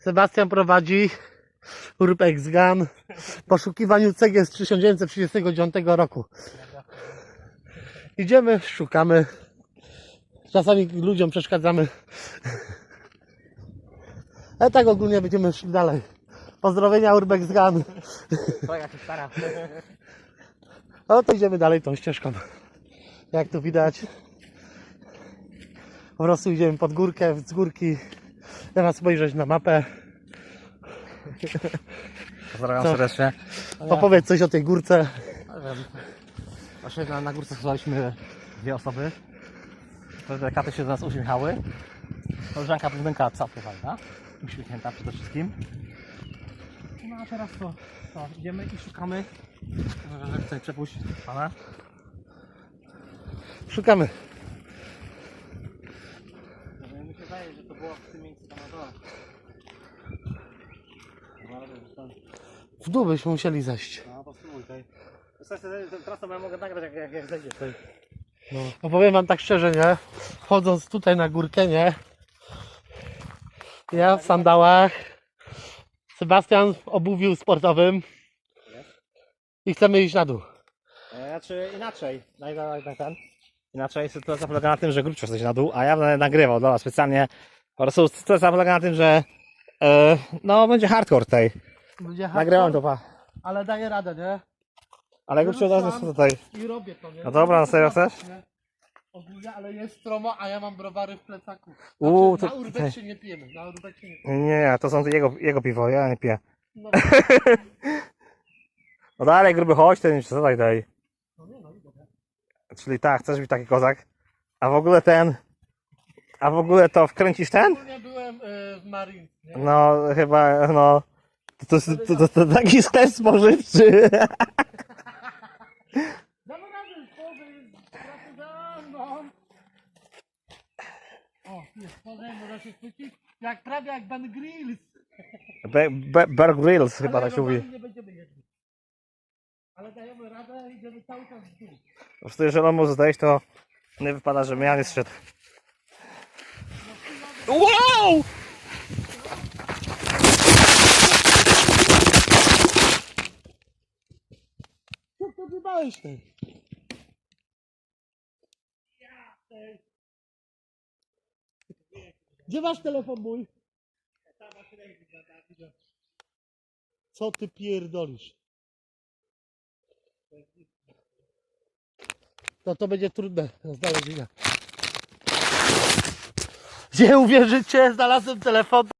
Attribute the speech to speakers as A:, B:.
A: Sebastian prowadzi Urbex Gun w poszukiwaniu cegieł z 1939 roku. Idziemy, szukamy. Czasami ludziom przeszkadzamy. Ale tak ogólnie będziemy szli dalej. Pozdrowienia Urbex Gun.
B: Twoja się stara.
A: No to idziemy dalej tą ścieżką. Jak tu widać. Po prostu idziemy pod górkę, z górki. Teraz spojrzeć na mapę.
B: Pozdrawiam
A: Co?
B: serdecznie.
A: Opowiedz coś o tej górce.
B: Nie wiem. Właśnie na górce słuchaliśmy dwie osoby. Te katy się do nas uśmiechały. Koleżanka blondynka całkiem fajna. Uśmiechnięta przede wszystkim. No a teraz to idziemy i szukamy. Że chcę przepuścić pana.
A: Szukamy.
B: Mi się wydaje, że to było w tym miejscu tam na dole.
A: W dół byśmy musieli zejść.
B: No posłuchaj tutaj. Teraz to ja mogę nagrać jak zejdziesz tutaj.
A: No. Opowiem wam tak szczerze, nie? Wchodząc tutaj na górkę, nie? Ja w sandałach. Sebastian w obuwiu sportowym. I chcemy iść na dół.
B: Znaczy inaczej. Inaczej sytuacja polega na tym, że Grucz coś na dół, a ja będę nagrywał dla was specjalnie. Po prostu sytuacja polega na tym, że no będzie hardcore tutaj. Nagrałem to, pa.
A: Ale daję radę, nie?
B: Ale Grucz od razu jest tutaj.
A: I robię to, nie?
B: No dobra, na serio chcesz?
A: Nie? Ogólnie, ale jest stromo, a ja mam browary w plecaku.
B: To
A: Na Urbexie nie pijemy, na Urbexie nie pijemy.
B: nie, to są jego piwo, ja nie piję.
A: No,
B: No dalej, gruby, chodź, ten co tutaj daj.
A: no, dobra.
B: Czyli tak, chcesz być taki kozak. A w ogóle to wkręcisz ten?
A: Ogólnie byłem w Marines, nie?
B: No chyba, no. To taki sklep spożywczy.
A: Damy radę, połowy jest pracy za mną. O, jest, połowy, można się chwycić. Prawie jak Ben Grills.
B: Bear Grylls chyba
A: Ale
B: tak się mówi.
A: nie będziemy jedli. Ale dajemy radę, idziemy cały czas w dół.
B: Po prostu jeżeli on może zdejść, to nie wypada, że ja nie zszedł. Wow!
A: Co to wybałeś ty? Gdzie masz telefon mój? Co ty pierdolisz? No to będzie trudne do znalezienia. Gdzie uwierzycie? Znalazłem telefon.